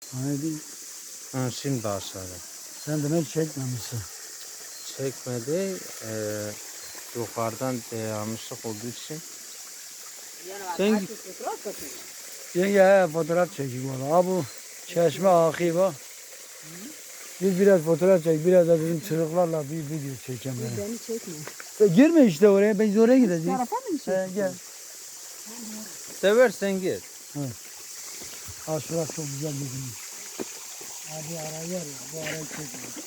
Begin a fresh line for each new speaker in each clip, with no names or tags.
Haydi.
Ha, şimdi aşağıda.
Sen demek çekmemişsin.
Çekmedi. Yukarıdan yanlışlık olduğu için. Sen
Yenge fotoğraf çekeyim valla. Ha bu çeşme akıyor bak. Biz biraz fotoğraf çek, biraz da bizim çocuklarla bir video çekeceğim ben.
Beni çekme.
Girme işte oraya, biz oraya gideceğiz.
Tarafa mı düşüyorsun?
Gel.
seversen git.
Ha şurası çok güzel bir gün. Abi ara yer ya, bu arayı çekme.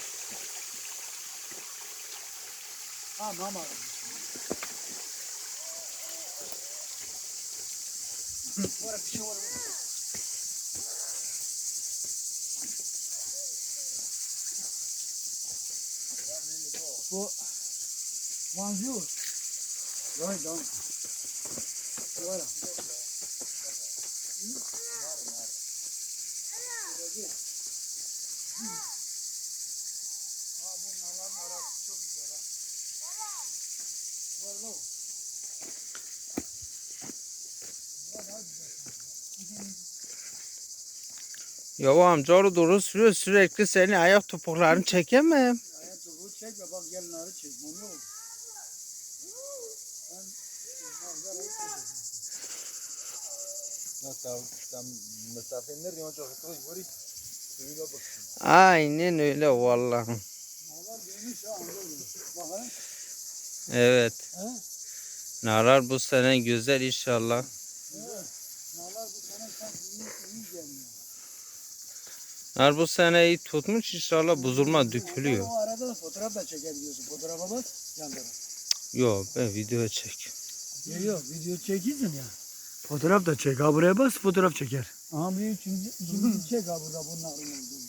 Ha mama. Var bir şey var. Bu Bonjour. Right down. Voilà.
Ya o amcaoğlu doğru sürüyor, sürekli senin ayak topuklarını çekemem.
Ayak topuğu çekme bak gel narı çek. Onu yok.
Aynen öyle vallahi. Evet.
He?
Nalar bu sene güzel inşallah.
Nalar bu sene sen iyi gelmiyor.
Nar bu sene iyi tutmuş inşallah, bozulma dökülüyor.
O arada da fotoğraf da çekebiliyorsun. Fotoğrafa bak yan taraf.
Yok ben video çek.
Yok video çekilsin ya. Fotoğraf da çek. Ha buraya bas fotoğraf çeker. Aha bir üçüncü çek ha burada bunların olduğunu.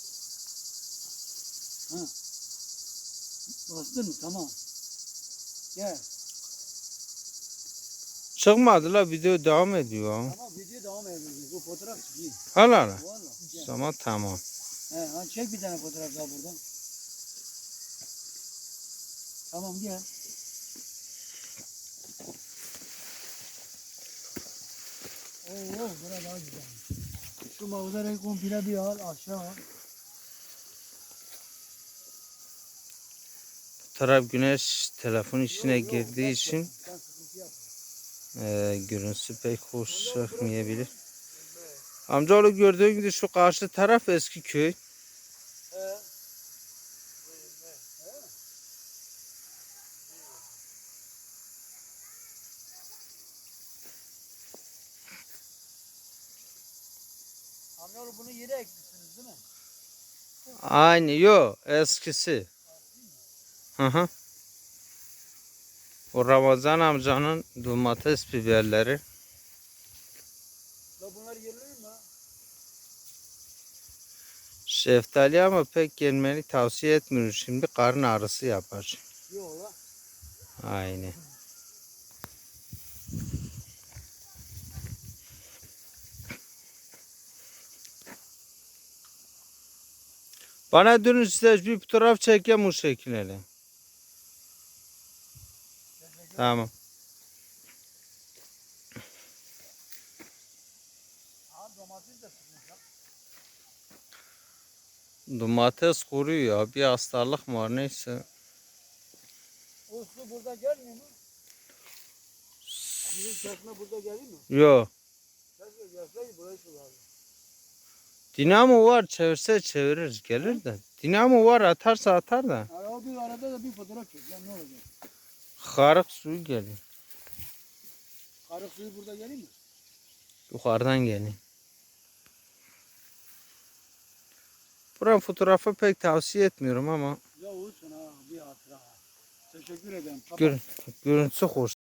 Ha. Bastın mı? Tamam. Gel.
Çıkmadı la, video devam ediyor.
Tamam video devam ediyor. Bu fotoğraf çekeyim.
Al al.
Valla. Gel.
Tamam tamam.
He, ha, çek bir tane fotoğraf daha buradan. Tamam gel. Oo, bura daha güzel. Şu manzarayı komple bir al aşağı al.
Bu taraf güneş telefon içine girdiği için
Sen sıkıntı yapma.
görüntüsü pek hoş çıkmayabilir. Amcaoğlu gördüğün gibi şu karşı taraf eski köy.
He. Amcaoğlu bunu yere ekmişsiniz değil mi?
Aynı yok, eskisi. Hı hı. O Ramazan amcanın domates biberleri.
Ya bunlar yerli mi?
Şeftali ama pek gelmeni tavsiye etmiyorum. Şimdi karın ağrısı yapar.
Yok la.
Aynı. Bana dönün, size bir fotoğraf çekeyim o şekilde. Tamam.
Aha domates de sıkmış ya.
Domates kuruyor ya. Bir hastalık mı var neyse.
O su burada gelmiyor mu? Bizim çeşme burada geliyor mu?
Yok.
Keşke gelseydi burayı sulardı.
Dinamo var, çevirse çevirir gelir de. Dinamo var, atarsa atar da.
O bir arada da bir fotoğraf çek lan ne olacak?
Karık suyu geliyor.
Karık suyu burada geliyor mu?
Yukarıdan geliyor. Buranın fotoğrafı pek tavsiye etmiyorum ama
Ya olsun ha bir hatıra. Teşekkür ederim. Kapat.
görüntüsü hoş.